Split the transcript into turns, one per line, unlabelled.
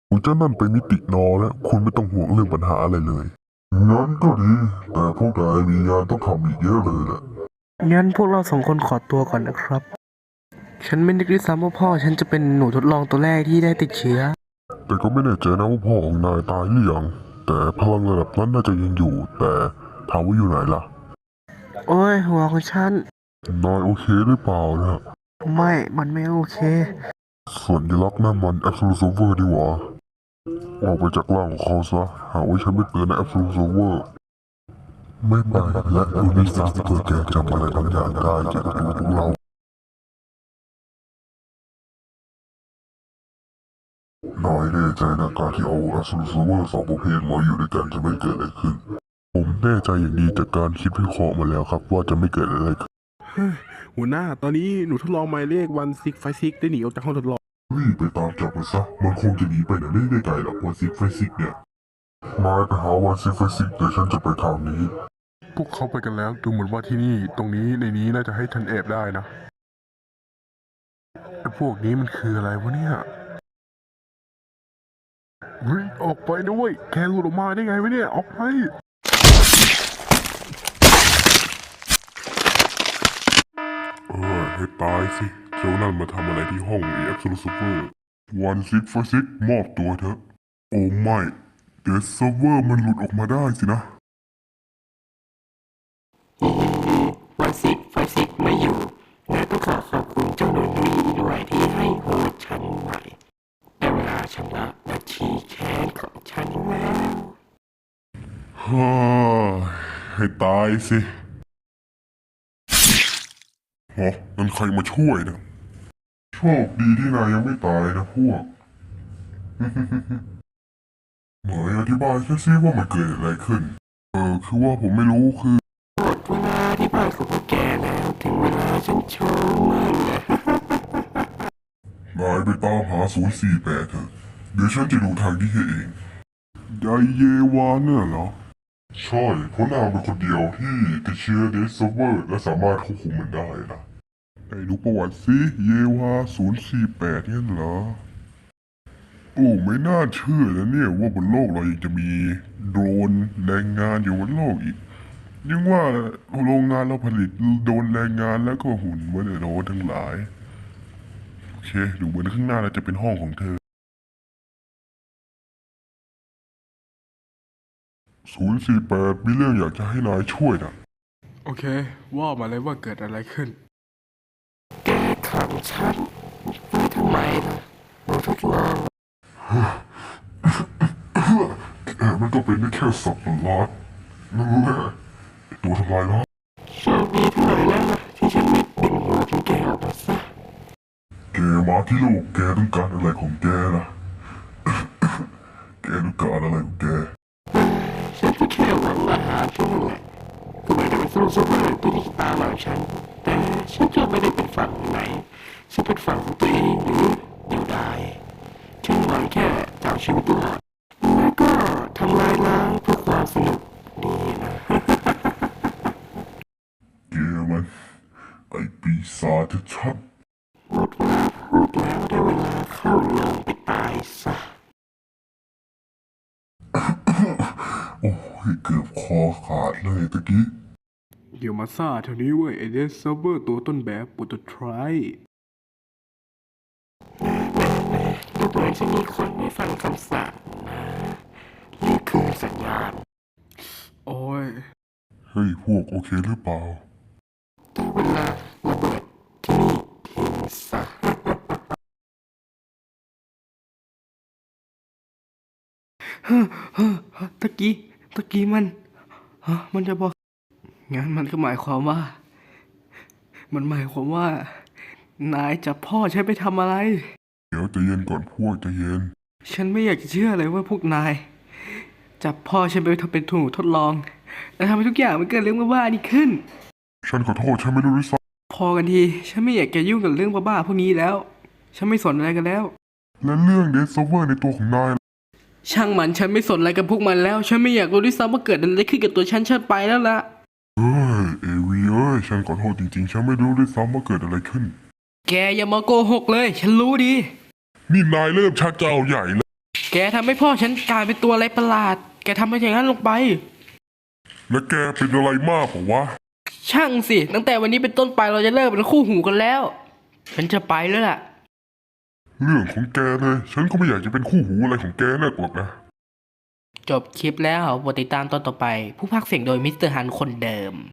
คุณเจ้านั่นไปมิตินอแล้วคุณไม่ต้องห่วงเรื่องปัญหาอะไรเลยงั้นก็ดีแต่พวกนายมีงานต้องทำอีกเยอะเลยแหละ
งั้นพวกเราสองคนขอตัวก่อนนะครับ ฉันไม่นึกด้วยซ้ำว่าพ่อฉันจะเป็นหนูทดลองตัวแรกที่ได้ติดเชื้อ
แต่ก็ไม่แน่ใจนะว่าพ่อของนายตายหรือยังแต่พลังระดับนั้นน่าจะยังอยู่แต่ถามว่าอยู่ไหนล่ะ
โอ้ยหัวของฉัน
นายโอเคหรือเปล่านะ
ไม่ มันไม่โอเค
สัญลักษณ์นั่นมัน Absolute Server ดีหว่าออกไปจากร่างของเขาซะหากว่าฉันไม่เตือนนะ Absolute Server ไม่ไปและดูนิสัยเพื่อแกจำอะไรบางอย่างได้เกี่ยวกับตัวของเราน้อยแน่ใจนะการที่เอา Absolute Server สองประเภทมาอยู่ด้วยกันจะไม่เกิดอะไรขึ้นผมแน่ใจอย่างดีจากการคิดวิเคราะห์มาแล้วครับว่าจะไม่เกิดอะไรขึ้น
หัวหน้าตอนนี้หนูทดลองหมายเลข1656ได้หนีออกจากห้องทดลอง
รีบไปตามจับมันซะมันคงจะหนีไปไหนไม่ได้ไกลหรอกวันซิกไฟซิกเนี่ยนายไปหาวันซิกไฟซิกเดี๋ยวฉันจะไปทางนี้พวกเขาไปกันแล้วดูเหมือนว่าที่นี่ตรงนี้ในนี้น่าจะให้ฉันแอบได้นะไอ้พวกนี้มันคืออะไรวะเนี่ยเฮ้ยออกไปด้วยแกหลุดออกมาได้ไงวะเนี่ยออกไปให้ตายสิเจ้านั่นมาทำอะไรที่ห้องAbsolute Server วันซิกไฟซิกมอบตัวเถอะโอ้ไม่เดี๋ยวเซิร์ฟเวอร์มันหลุดออกมาได้สินะ
วันซิกไฟซิกไม่อยู่และต้องขอขอบคุณเจ้าหนุ่ยด้วยที่ให้โหดฉันไว้ได้เวลาชำระบัญชีแค้นของฉันแล้ว
ฮ่าให้ตายสิฮะนั่นใครมาช่วยนะโชคดีที่นายยังไม่ตายนะพวก เหมยอธิบายแค่ซิว่ามันเกิดอะไรขึ้นคือว่าผมไม่รู้คือ
หมดเวลาที่บ้านของพวกแกแล้วถึงเวลาฉันโชว์มันแล้ว
นายไปตามหา048เถอะเดี๋ยวฉันจะดูทางนี้ให้เองไดเยวาเนี่ยเหรอ ใช่เพราะนางเป็นคนเดียวที่ติดเชื้อเดสเซเวอร์และสามารถควบคุมมันได้นะไหนดูประวัติสิเยวา048เนี่ยเหรอ โอ้ไม่น่าเชื่อนะเนี่ยว่าบนโลกเรายังจะมีโดรนแรงงานอยู่บนโลกอีกยังว่าโรงงานเราผลิตโดรนแรงงานแล้วก็หุ่นไว้ในโดรนทั้งหลายโอเคดูเหมือนข้างหน้าเราจะเป็นห้องของเธอ048มีเรื่องอยากจะให้นายช่วยนะ
โอเคว่ามาเลยว่าเกิดอะไรขึ้น
แกขังฉันไว้ทำไมล่ะหนูทดลอง
มันก็เป็นได้แค่สัตว์ประหลาดนั่นแหละตัวทำลายล้าง
โชคดีเท่าไหร่แล้วล่ะที่ฉันไม่ดึงหัวของแกออกมาซะ
แกมาที่โลกแกต้องการอะไรของแกนะแกต้องการอะไรของแก
ฉันก็แค่หวังอาหารช่วงแหละก็ไม่ได้เป็นซูเปอร์ที่ตามหลังฉันแต่ฉันก็ไม่ได้เป็นฝั่งไหนฉันเป็นฝั่งของตัวเองหรือเดียวดายฉันหวังแค่จะเอาชีวิตรอดแล้วก็ทำลายล้างเพื่อความสนุกนี่นะ
แกมันไอปีศาจชัด
หมดเวลาพูดแล้วได้เวลาเข้าลงไปตายซะ
โอ้ยเกือบคอขาดเลยตะกี้
เดี๋ยวมาซ่าเท่านี้เว้ยไอเดสเซิร์ฟเวอร์ตัวต้นแบบโปรโตไทป์
ดูเหมือนจะมีคนไม่ฟังคำสั่งนะนี่คือสัญญาณ
โอ้ย
เฮ้ยพวกโอเคหรือเปล่า
ได้เวลาระเบิดที่นี่ทิ้งซะ
ตะกี้มันจะบอกงั้นมันก็หมายความว่า นายจับพ่อฉันไปทำอะไร
เดี๋ยวใจเย็นก่อนพวกใจเย็น
ฉันไม่อยากจะเชื่อเลยว่าพวกนายจับพ่อฉันไปทำเป็นถุงทดลอง แล้วทำให้ทุกอย่างมันเกิดเรื่องบ้าๆนี่ขึ้น
ฉันขอโทษฉันไม่รู้ด้วยซ้
พอกันทีฉันไม่อยากจะยุ่งกับเรื่องบ้าๆพวกนี้แล้ว ฉันไม่สนอะไรกันแล้ว
ำและเรื่องเดสเซเวอร์ในตัวของนาย
ช่างมันฉันไม่สนอะไรกับพวกมันแล้ว ฉันไม่อยากรู้ด้วยซ้ำว่าเกิดอะไรขึ้นกับตัวฉันไปแล้วล่ะ
เอ้ยเอวีเอ้ยฉันขอโทษจริงๆฉันไม่รู้ด้วยซ้ำว่าเกิดอะไรขึ้น
แกอย่ามาโกหกเลย ฉันรู้ดี
นี่นายเริ่มชักจะเอาใหญ่แล้ว
แกทำให้พ่อฉันกลายเป็นตัวอะไรประหลาด แกทำไปอย่างนั้นลงไป
และแกเป็นอะไรมากเปล่าวะ
ช่างสิ ตั้งแต่วันนี้เป็นต้นไปเราจะเลิกเป็นคู่หูกันแล้ว ฉันจะไปแล้วล่ะ
เรื่องของแกเลย ฉันก็ไม่อยากจะเป็นคู่หูอะไรของแกนักหรอกนะ
จบคลิปแล้วโปรดติดตามตอนต่อไป ผู้พากย์เสียงโดยมิสเตอร์ฮันคนเดิม